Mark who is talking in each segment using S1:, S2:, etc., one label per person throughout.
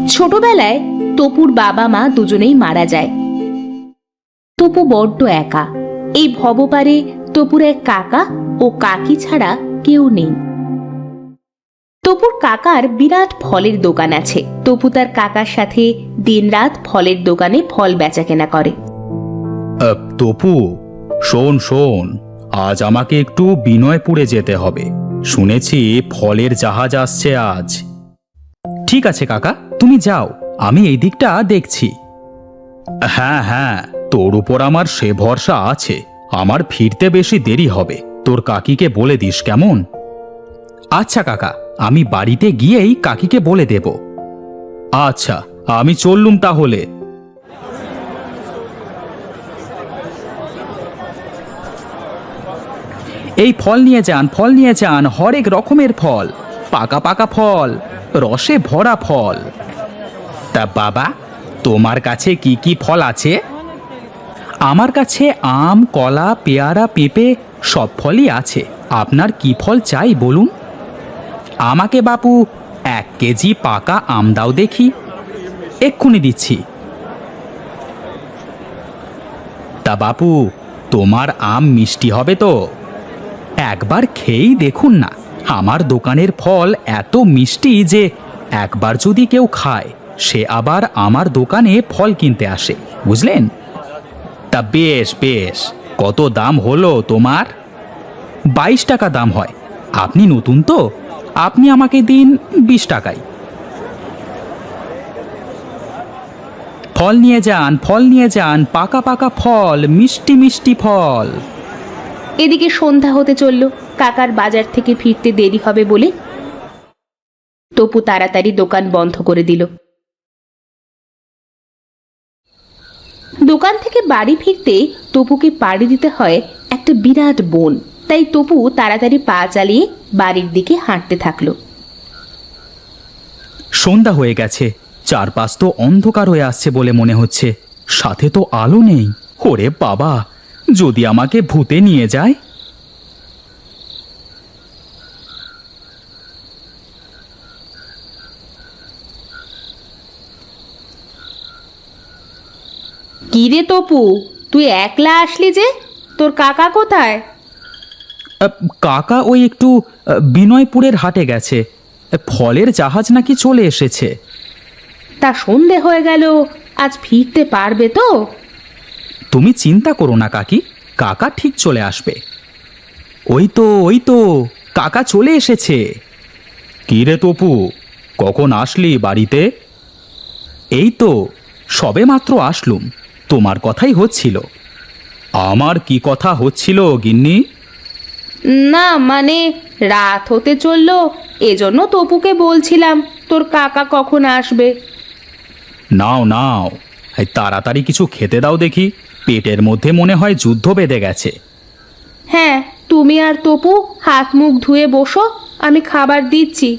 S1: ছোটবেলায় তপুর বাবা মা দুজনেই মারা যায়। তপু বড্ড একা। এই ভবপারে তপুর এক কাকা ও কাকি ছাড়া কেউ নেই। তপুর কাকার বিরাট ফলের দোকান আছে। তপু তার কাকার সাথে দিনরাত ফলের দোকানে ফল বেচাকেনা করে।
S2: তপু, শোন শোন, আজ আমাকে একটু বিনয়পুরে যেতে হবে। শুনেছি ফলের জাহাজ আসছে আজ। ঠিক আছে কাকা, তুমি যাও, আমি এই দিকটা দেখছি। হ্যাঁ হ্যাঁ, তোর উপর আমার সে ভরসা আছে। আমার ফিরতে বেশি দেরি হবে, তোর কাকিকে বলে দিস কেমন? আচ্ছা কাকা, আমি বাড়িতে গিয়েই কাকিকে বলে দেব। আচ্ছা, আমি চললুম তাহলে। এই ফল নিয়ে যান, ফল নিয়ে যান, হরেক রকমের ফল, পাকা পাকা ফল, রসে ভরা ফল। তা বাবা, তোমার কাছে কি কি ফল আছে? আমার কাছে আম, কলা, পেয়ারা, পেঁপে সব ফলই আছে। আপনার কি ফল চাই বলুন? আমাকে বাপু 1 কেজি পাকা আম দাও দেখি। এক্ষুনি দিচ্ছি। তা বাপু, তোমার আম মিষ্টি হবে তো? একবার খেয়েই দেখুন না, আমার দোকানের ফল এত মিষ্টি যে একবার যদি কেউ খায় সে আবার আমার দোকানে ফল কিনতে আসে, বুঝলেন? তা বেশ বেশ, কত দাম হলো তোমার? 22 টাকা দাম হয়। আপনি নতুন তো, আপনি আমাকে দিন 20 টাকায়। ফল নিয়ে যান, ফল নিয়ে যান, পাকা পাকা ফল, মিষ্টি মিষ্টি ফল।
S1: এদিকে সন্ধ্যা হতে চলল। কাকার বাজার থেকে ফিরতে দেরি হবে বলে তপু তাড়াতাড়ি দোকান বন্ধ করে দিল। দোকান থেকে বাড়ি ফিরতে তপুকে পাড়ি দিতে হয় একটা বিরাট বন। তাই তপু তাড়াতাড়ি পা চালিয়ে বাড়ির দিকে হাঁটতে থাকলো।
S2: সন্ধ্যা হয়ে গেছে, চারপাশ তো অন্ধকার হয়ে আসছে বলে মনে হচ্ছে, সাথে তো আলো নেই। ওরে বাবা, যদি আমাকে ভূতে নিয়ে যায়।
S1: কি রে তপু, তুই একলা আসলি যে? তোর কাকা কোথায়?
S2: কাকা ওই একটু বিনয়পুরের হাটে গেছে। ফলের জাহাজ নাকি চলে এসেছে।
S1: তা সন্ধে হয়ে গেল, আজ ফিরতে পারবে তো?
S2: তুমি চিন্তা করো না কাকি, কাকা ঠিক চলে আসবে। ওই তো ওই তো, কাকা চলে এসেছে। কি রে তপু, কখন আসলি বাড়িতে? এই তো সবে মাত্র আসলুম, তোমার কথাই হচ্ছিল। আমার কি কথা হচ্ছিল গিন্নি?
S1: না মানে রাত হতে চললো, এজন্য তপুকে বলছিলাম তোর কাকা কখন আসবে।
S2: নাও নাও, এই তাড়াতাড়ি কিছু খেতে দাও দেখি, পেটের মধ্যে মনে হয় যুদ্ধ বেঁধে গেছে।
S1: হ্যাঁ, তুমি আর তপু হাত মুখ ধুয়ে বসো, আমি খাবার দিচ্ছি।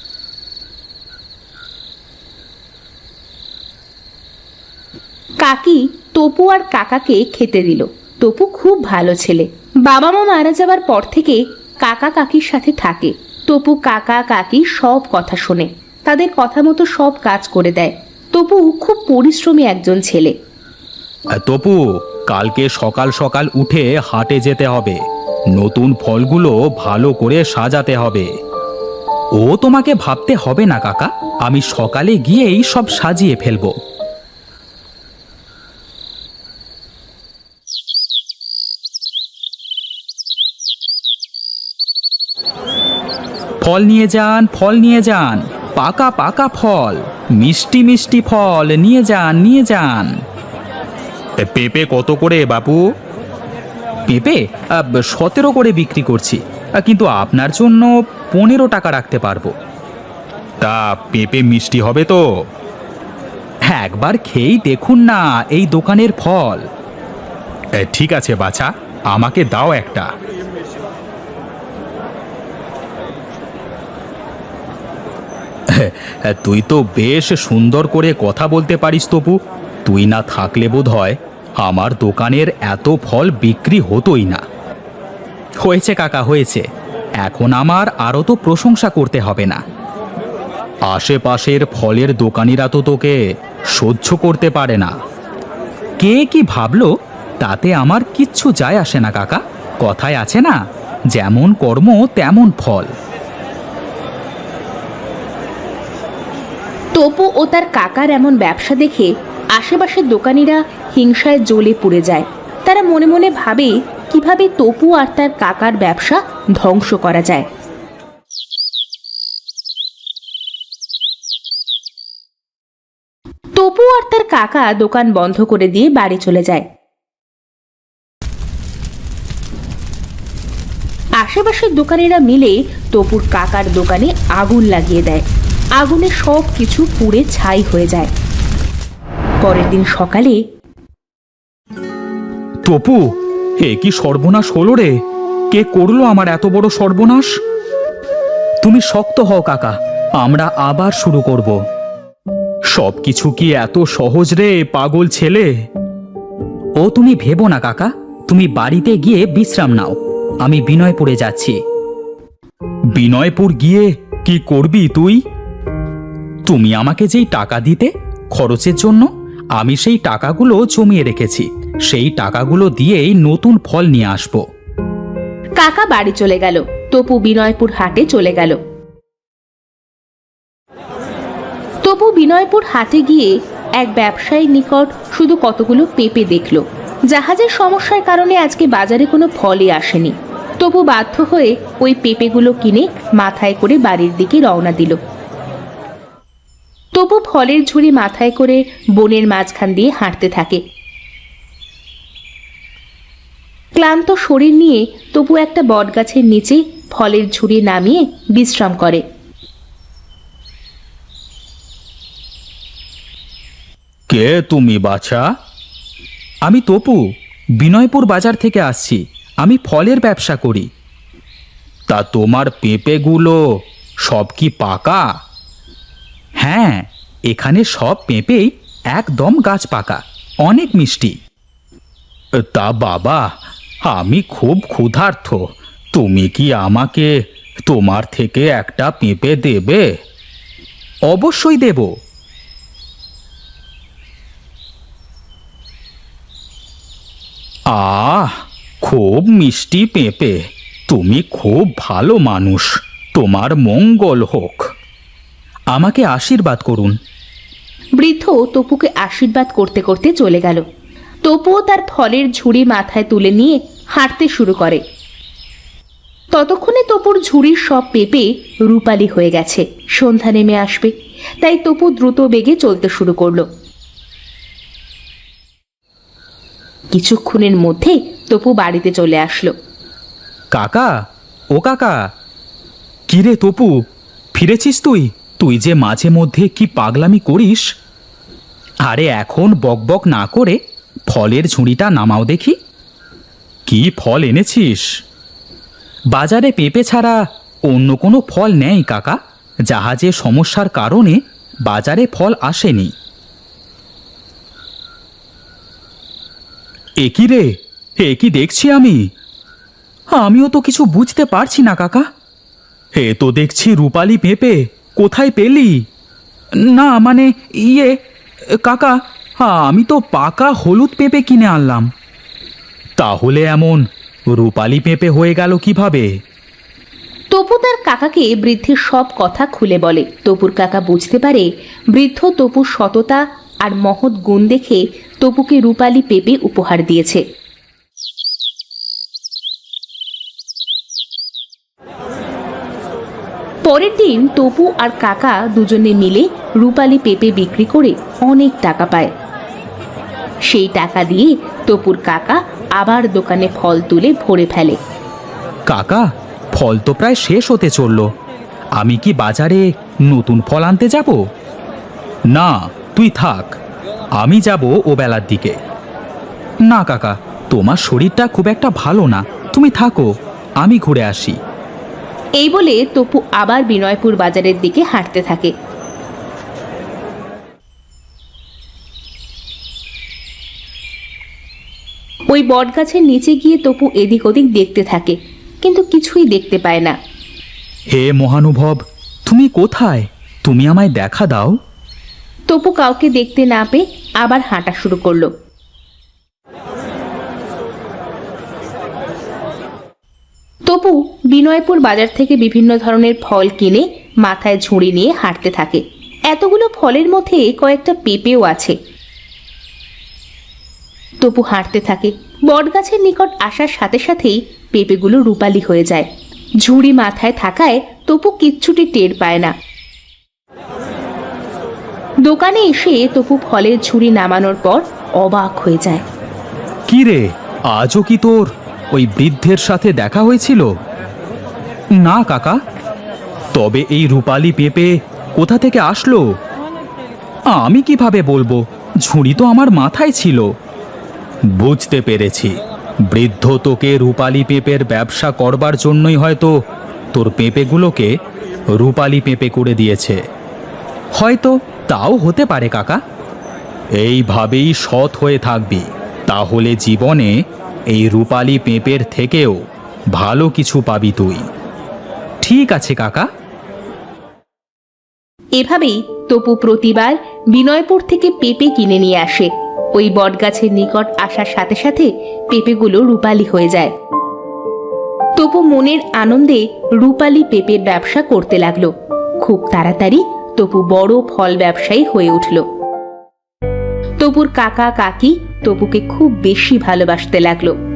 S1: কাকি তপু আর কাকাকে খেতে দিল। তপু খুব ভালো ছেলে। বাবা মা মারা যাবার পর থেকে কাকা কাকির সাথে থাকে। তপু কাকা কাকি সব কথা শোনে, তাদের কথা মতো সব কাজ করে দেয়। তপু খুব পরিশ্রমী একজন ছেলে।
S2: তপু, কালকে সকাল সকাল উঠে হাটে যেতে হবে, নতুন ফলগুলো ভালো করে সাজাতে হবে। ও তোমাকে ভাবতে হবে না কাকা, আমি সকালে গিয়েই সব সাজিয়ে ফেলবো। ফল নিয়ে যান, ফল নিয়ে যান, পাকা পাকা ফল, মিষ্টি মিষ্টি ফল নিয়ে যান, নিয়ে যান। পেঁপে কত করে বাপু? পেঁপে 17 করে বিক্রি করছি, কিন্তু আপনার জন্য 15 টাকা রাখতে পারবো। তা পেঁপে মিষ্টি হবে তো? হ্যাঁ, একবার খেয়েই দেখুন না এই দোকানের ফল। ঠিক আছে বাছা, আমাকে দাও একটা। তুই তো বেশ সুন্দর করে কথা বলতে পারিস তপু, তুই না থাকলে বোধ হয় আমার দোকানের এত ফল বিক্রি হতোই না। হয়েছে কাকা হয়েছে, এখন আমার আরও তো প্রশংসা করতে হবে না। আশেপাশের ফলের দোকানিরা তো তোকে সহ্য করতে পারে না। কে কি ভাবলো তাতে আমার কিচ্ছু যায় আসে না কাকা। কথায় আছে না, যেমন কর্ম তেমন ফল।
S1: তপু ও তার কাকার এমন ব্যবসা দেখে আশেপাশের দোকানিরা হিংসায় জ্বলে পুড়ে যায়। তারা মনে মনে ভাবে কিভাবে তপু আর তার কাকার ব্যবসা ধ্বংস করা যায়। তপু আর তার কাকা দোকান বন্ধ করে দিয়ে বাড়ি চলে যায়। আশেপাশের দোকানিরা মিলে তপুর কাকার দোকানে আগুন লাগিয়ে দেয়। আগুনে সব কিছু পুড়ে ছাই হয়ে যায়। পরের দিন সকালে
S2: তপু, এ কি সর্বনাশ হলো রে! কে করলো আমার এত বড় সর্বনাশ? তুমি শক্ত হও কাকা, আমরা আবার শুরু করব। সবকিছু কি এত সহজ রে পাগল ছেলে? ও তুমি ভেবো না কাকা, তুমি বাড়িতে গিয়ে বিশ্রাম নাও। আমি বিনয়পুরে যাচ্ছি। বিনয়পুর গিয়ে কি করবি তুই? তুমি আমাকে যেই টাকা দিতে খরচের জন্য, আমি সেই টাকাগুলো জমিয়ে রেখেছি। সেই টাকাগুলো দিয়েই নতুন ফল নিয়ে আসব।
S1: কাকা বাড়ি চলে গেল। তপু বিনয়পুর হাটে চলে গেল। তপু বিনয়পুর হাটে গিয়ে এক ব্যবসায়ীর নিকট শুধু কতগুলো পেঁপে দেখল। জাহাজের সমস্যার কারণে আজকে বাজারে কোনো ফলই আসেনি। তপু বাধ্য হয়ে ওই পেঁপেগুলো কিনে মাথায় করে বাড়ির দিকে রওনা দিল। তপু ফলের ঝুড়ি মাথায় করে বনের মাঝখান দিয়ে হাঁটতে থাকে। ক্লান্ত শরীর নিয়ে তপু একটা বটগাছের নিচে ফলের ঝুড়ি নামিয়ে বিশ্রাম করে।
S2: কে তুমি বাছা? আমি তপু, বিনয়পুর বাজার থেকে আসছি। আমি ফলের ব্যবসা করি। তা তোমার পেঁপেগুলো সব কি পাকা? হ্যাঁ, এখানে সব পেঁপেই একদম গাছ পাকা, অনেক মিষ্টি। তা বাবা, আমি খুব ক্ষুধার্ত। তুমি কি আমাকে তোমার থেকে একটা পেঁপে দেবে? অবশ্যই দেব। আহ, খুব মিষ্টি পেঁপে। তুমি খুব ভালো মানুষ। তোমার মঙ্গল হোক। আমাকে আশীর্বাদ করুন।
S1: বৃদ্ধ তপুকে আশীর্বাদ করতে করতে চলে গেল। তপুও তার ফলের ঝুড়ি মাথায় তুলে নিয়ে হাঁটতে শুরু করে। ততক্ষণে তপুর ঝুড়ির সব পেঁপে রূপালী হয়ে গেছে। সন্ধ্যা নেমে আসবে, তাই তপু দ্রুত বেগে চলতে শুরু করলো। কিছুক্ষণের মধ্যে তপু বাড়িতে চলে আসলো।
S2: কাকা, ও কাকা! কিরে তপু, ফিরেছিস তুই? তুই যে মাঝে মধ্যে কি পাগলামি করিস! আরে এখন বকবক না করে ফলের ঝুড়িটা নামাও দেখি। কি ফল এনেছিস? বাজারে পেঁপে ছাড়া অন্য কোনো ফল নেই কাকা। জাহাজের সমস্যার কারণে বাজারে ফল আসেনি। এ কি রে, এ কি দেখছি আমি? আমিও তো কিছু বুঝতে পারছি না কাকা। এ তো দেখছি রূপালী পেঁপে। কোথায় পেলি? না মানে কাকা, আমি তো পাকা হলুদ পেঁপে কিনে আনলাম। তাহলে এমন রূপালী পেঁপে হয়ে গেল কিভাবে?
S1: তপু তার কাকাকে বৃদ্ধের সব কথা খুলে বলে। তপুর কাকা বুঝতে পারে বৃদ্ধ তপুর সততা আর মহৎ গুণ দেখে তপুকে রূপালী পেঁপে উপহার দিয়েছে। পরের দিন তপু আর কাকা দুজনে মিলে রূপালী পেঁপে বিক্রি করে অনেক টাকা পায়। সেই টাকা দিয়ে তপুর কাকা আবার দোকানে ফল তুলে ভরে ফেলে।
S2: কাকা, ফল তো প্রায় শেষ হতে চলল। আমি কি বাজারে নতুন ফল আনতে যাব? না, তুই থাক, আমি যাব ও বেলার দিকে। না কাকা, তোমার শরীরটা খুব একটা ভালো না। তুমি থাকো, আমি ঘুরে আসি।
S1: এই বলে তপু আবার বিনয়পুর বাজারের দিকে হাঁটতে থাকে। ওই বটগাছের নিচে গিয়ে তপু এদিক ওদিক দেখতে থাকে, কিন্তু কিছুই দেখতে পায় না।
S2: হে মহানুভব, তুমি কোথায়? তুমি আমায় দেখা দাও।
S1: তপু কাউকে দেখতে না পেয়ে আবার হাঁটা শুরু করলো। তপু বিনয়পুর বাজার থেকে বিভিন্ন ধরনের ফল কিনে মাথায় ঝুড়ি নিয়ে হাঁটতে থাকে। এতগুলো ফলের মধ্যে কয়েকটা পেঁপেও আছে। তপু হাঁটতে থাকে। বটগাছের নিকট আসার সাথে সাথেই পেঁপেগুলো রূপালি হয়ে যায়। ঝুড়ি মাথায় থাকায় তপু কিচ্ছুটি টের পায় না। দোকানে এসে তপু ফলের ঝুড়ি নামানোর পর অবাক হয়ে যায়।
S2: কি রে, আজও কি তোর ওই বৃদ্ধের সাথে দেখা হয়েছিল? না কাকা। তবে এই রূপালি পেঁপে কোথা থেকে আসলো? আমি কিভাবে বলবো, ঝুড়ি তো আমার মাথায় ছিল। বুঝতে পেরেছি, বৃদ্ধ তোকে রূপালি পেঁপের ব্যবসা করবার জন্যই হয়তো তোর পেঁপেগুলোকে রূপালি পেঁপে করে দিয়েছে। হয়তো তাও হতে পারে কাকা। এইভাবেই সৎ হয়ে থাকবি, তাহলে জীবনে এই রূপালি পেঁপের থেকেও ভালো কিছু পাবি তুই। ঠিক আছে কাকা।
S1: এভাবেই তপু প্রতিবার বিনয়পুর থেকে পেঁপে কিনে নিয়ে আসে। ওই বটগাছের নিকট আসার সাথে সাথে পেঁপেগুলো রূপালি হয়ে যায়। তপু মনের আনন্দে রূপালি পেঁপের ব্যবসা করতে লাগলো। খুব তাড়াতাড়ি তপু বড় ফল ব্যবসায়ী হয়ে উঠল। তপুর কাকা কাকি তপুকে খুব বেশি ভালোবাসতে লাগলো।